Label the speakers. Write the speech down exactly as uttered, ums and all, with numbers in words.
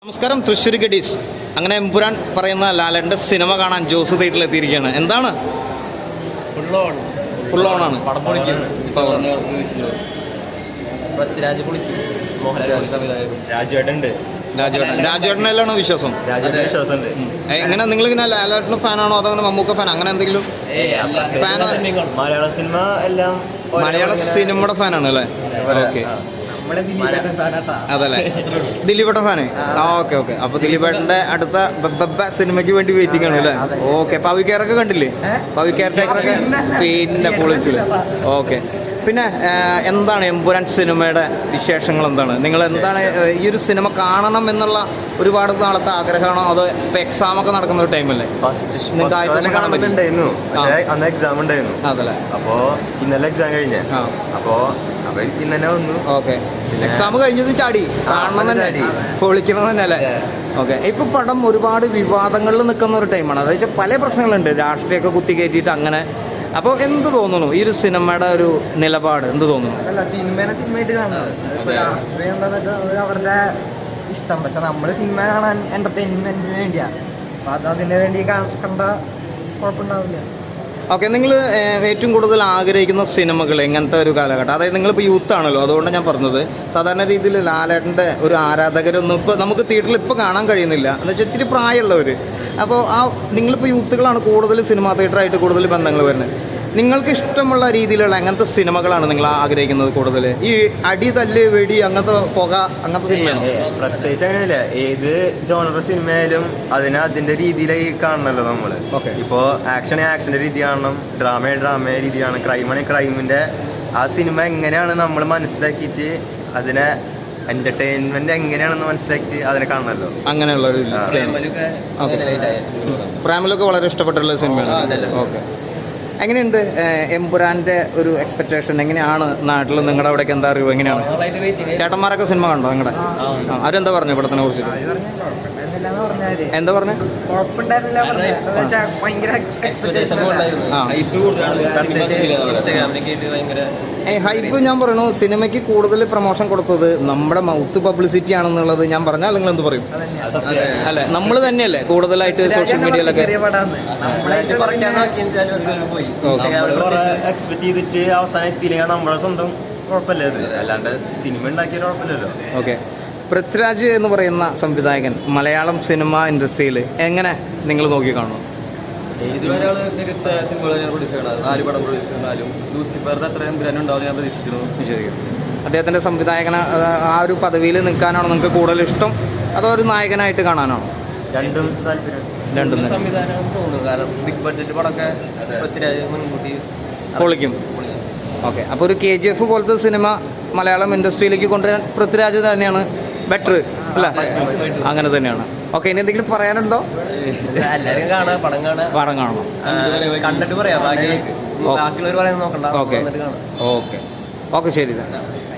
Speaker 1: നമസ്കാരം, തൃശ്ശൂർ ഗഡീസ്. അങ്ങനെ എമ്പുരാൻ പറയുന്ന ലാലൻ്റെ സിനിമ കാണാൻ ജോസ് തിയേറ്ററിൽ എത്തിയിരിക്കുകയാണ്. എന്താണ് ഫുൾ ഓണാണ്?
Speaker 2: രാജുവേട്ടനുണ്ട്.
Speaker 1: രാജുവേട്ടൻ രാജുവേട്ടനെല്ലാണോ വിശ്വാസം?
Speaker 2: വിശ്വാസമുണ്ട്.
Speaker 1: എങ്ങനെ നിങ്ങൾ ഇങ്ങനെ ലാലേട്ടന് ഫാനാണോ അതോ അങ്ങനെ മമ്മൂക്ക ഫാൻ അങ്ങനെ എന്തെങ്കിലും ഫാൻ?
Speaker 2: മലയാള സിനിമ എല്ലാം
Speaker 1: മലയാള സിനിമയുടെ ഫാനാണ് അല്ലേ? ഓക്കെ, അതല്ലേ ദിലീപേട്ടൻ ഫാന്. ആ ഓക്കെ ഓക്കെ. അപ്പൊ ദിലീപേട്ടന്റെ അടുത്ത ബബ്ബ സിനിമയ്ക്ക് വേണ്ടി വെയിറ്റിംഗ് ആണ് അല്ലേ? ഓക്കെ. പവിക്കാരൊക്കെ കണ്ടില്ലേ? പവിക്കാർ ടേക്കറൊക്കെ പിന്നെ പൊളിച്ചില്ലേ? ഓക്കെ. പിന്നെ എന്താണ് എമ്പുരാൻ സിനിമയുടെ വിശേഷങ്ങൾ? എന്താണ് നിങ്ങൾ എന്താണ് ഈ ഒരു സിനിമ കാണണം എന്നുള്ള ഒരുപാട് നാളത്തെ ആഗ്രഹമാണോ? അതോ ഇപ്പൊ എക്സാം ഒക്കെ നടക്കുന്ന ഒരു ടൈമല്ലേ?
Speaker 2: നിങ്ങൾക്ക് കാണാൻ പറ്റുന്നുണ്ടായിരുന്നു, പക്ഷേ അന്ന് എക്സാം ഉണ്ടായിരുന്നു.
Speaker 1: അതല്ലേ?
Speaker 2: അപ്പോ ഇന്നലെ എക്സാം കഴിഞ്ഞ അപ്പോ അപ്പൊ ഇന്ന് തന്നെ വന്നു.
Speaker 1: ഓക്കെ. എക്സാം കഴിഞ്ഞത് ചാടി കാണണം തന്നെ, പൊളിക്കണം തന്നെ അല്ലേ? ഓക്കെ. ഇപ്പൊ പടം ഒരുപാട് വിവാദങ്ങളിൽ നിൽക്കുന്ന ഒരു ടൈമാണ്. അതായത് വെച്ചാൽ പല പ്രശ്നങ്ങളുണ്ട്, രാഷ്ട്രീയമൊക്കെ കുത്തി കയറ്റിയിട്ട് അങ്ങനെ. അപ്പോൾ എന്ത് തോന്നുന്നു ഈ ഒരു സിനിമയുടെ ഒരു നിലപാട്? എന്ത് തോന്നുന്നു?
Speaker 3: അല്ല, സിനിമേനെ സിനിമയായിട്ട് കാണുന്നത് രാഷ്ട്രീയം എന്താന്ന് വെച്ചാൽ അത് അവരുടെ ഇഷ്ടം. പക്ഷെ നമ്മള് സിനിമ കാണാൻ എന്റർടൈൻമെന്റിന് വേണ്ടിയാ. അപ്പൊ അത് അതിന് വേണ്ടി കണ്ട കുഴപ്പമുണ്ടാവില്ല.
Speaker 1: ഓക്കെ. നിങ്ങൾ ഏറ്റവും കൂടുതൽ ആഗ്രഹിക്കുന്ന സിനിമകൾ എങ്ങനത്തെ ഒരു കാലഘട്ടം? അതായത് നിങ്ങളിപ്പോൾ യൂത്ത് ആണല്ലോ, അതുകൊണ്ട് ഞാൻ പറഞ്ഞത്. സാധാരണ രീതിയിൽ ലാലേട്ടൻ്റെ ഒരു ആരാധകരൊന്നും ഇപ്പോൾ നമുക്ക് തിയേറ്ററിൽ ഇപ്പോൾ കാണാൻ കഴിയുന്നില്ല. എന്ന് വെച്ചാൽ ഇത്തിരി പ്രായമുള്ളവർ. അപ്പോൾ ആ നിങ്ങളിപ്പോൾ യൂത്തുകളാണ് കൂടുതൽ സിനിമാ തിയേറ്ററായിട്ട് കൂടുതൽ ബന്ധങ്ങൾ വരുന്നത്. നിങ്ങൾക്ക് ഇഷ്ടമുള്ള രീതിയിലുള്ള അങ്ങനത്തെ സിനിമകളാണ് നിങ്ങൾ ആഗ്രഹിക്കുന്നത് കൂടുതൽ? ഈ അടി തല്ല് വെടി അങ്ങനത്തെ പുക അങ്ങനത്തെ സിനിമയാണോ?
Speaker 2: പ്രത്യേകിച്ച് അങ്ങനെയല്ല, ഏത് ജോണർ സിനിമയായാലും അതിനെ അതിന്റെ രീതിയിലായി കാണണമല്ലോ നമ്മള്. ഇപ്പോ ആക്ഷൻ ആക്ഷന്റെ രീതി കാണണം, ഡ്രാമ ഡ്രാമ രീതി കാണണം, ക്രൈമാണെങ്കിൽ ക്രൈമിന്റെ ആ സിനിമ എങ്ങനെയാണ് നമ്മൾ മനസ്സിലാക്കിയിട്ട് അതിനെ എന്റർടൈൻമെന്റ് എങ്ങനെയാണെന്ന് മനസ്സിലാക്കിയിട്ട് അതിനെ കാണണമല്ലോ.
Speaker 1: അങ്ങനെയുള്ള ഒരു പ്രേമലൊക്കെ വളരെ ഇഷ്ടപ്പെട്ടുള്ള സിനിമയാണ്. ഓക്കെ. എങ്ങനെയുണ്ട് എമ്പുരാൻ്റെ ഒരു എക്സ്പെക്ടേഷൻ? എങ്ങനെയാണ് നാട്ടിൽ നിങ്ങളുടെ അവിടേക്ക് എന്താ അറിയുമോ? എങ്ങനെയാണ് ചേട്ടന്മാരൊക്കെ സിനിമ കണ്ടോ നിങ്ങളുടെ? അവരെന്താ പറഞ്ഞു പടത്തിനെ കുറിച്ചിട്ട്? എന്താ പറഞ്ഞു? ഹൈപ്പ് ഞാൻ പറയണു, സിനിമയ്ക്ക് കൂടുതൽ പ്രൊമോഷൻ കൊടുത്തത് നമ്മുടെ മൗത്ത് പബ്ലിസിറ്റി ആണെന്നുള്ളത് ഞാൻ പറഞ്ഞാൽ നിങ്ങൾ എന്ത് പറയും? അല്ലെ, നമ്മൾ തന്നെയല്ലേ കൂടുതലായിട്ട് സോഷ്യൽ മീഡിയയിലൊക്കെ
Speaker 2: എക്സ്പെക്ട് ചെയ്തിട്ട് അവസാനം എത്തിയില്ലെങ്കിൽ നമ്മുടെ സ്വന്തം കുഴപ്പമില്ല, അത് അല്ലാണ്ട് സിനിമ ഉണ്ടാക്കിയ കുഴപ്പമില്ലല്ലോ.
Speaker 1: ഓക്കെ. പൃഥ്വിരാജ് എന്ന് പറയുന്ന സംവിധായകൻ മലയാളം സിനിമ ഇൻഡസ്ട്രിയിൽ എങ്ങനെ നിങ്ങൾ നോക്കി കാണുന്നു?
Speaker 4: ഇതുവരെ മികച്ച സിനിമകൾ പ്രൊഡ്യൂസ് ചെയ്യണം. നാല് പടം പ്രൊഡ്യൂസ് ചെയ്താലും ലൂസിഫറിന്റെ അത്രയും ഗ്രഹം ഉണ്ടാവും ഞാൻ പ്രതീക്ഷിക്കുന്നു.
Speaker 1: അദ്ദേഹത്തിൻ്റെ സംവിധായകന ആ ഒരു പദവിയിൽ നിൽക്കാനാണോ നിങ്ങൾക്ക് കൂടുതൽ ഇഷ്ടം, അതോ ഒരു നായകനായിട്ട് കാണാനാണോ?
Speaker 2: രണ്ടും താല്പര്യം.
Speaker 1: രണ്ടും
Speaker 4: സംവിധാനം തോന്നുന്നു, കാരണം ബിഗ് ബഡ്ജറ്റ് പടമൊക്കെ പൃഥ്വിരാജ് മുൻകൂട്ടി
Speaker 1: പൊളിക്കും. ഓക്കെ. അപ്പോൾ ഒരു കെ ജി എഫ് പോലത്തെ സിനിമ മലയാളം ഇൻഡസ്ട്രിയിലേക്ക് കൊണ്ടുവരാൻ പൃഥ്വിരാജ് തന്നെയാണ് ബെറ്റർ അല്ല? അങ്ങനെ തന്നെയാണ്. ഓക്കെ. ഇനി എന്തെങ്കിലും പറയാനുണ്ടോ?
Speaker 4: എല്ലാവരും കാണാം, പടം കാണാം.
Speaker 1: പടം കാണണം,
Speaker 4: കണ്ടിട്ട് പറയാം, ബാക്കിയുള്ളവർ പറയുന്നത് നോക്കണ്ട.
Speaker 1: ഓക്കെ ഓക്കെ ഓക്കെ ശരി തന്നെ.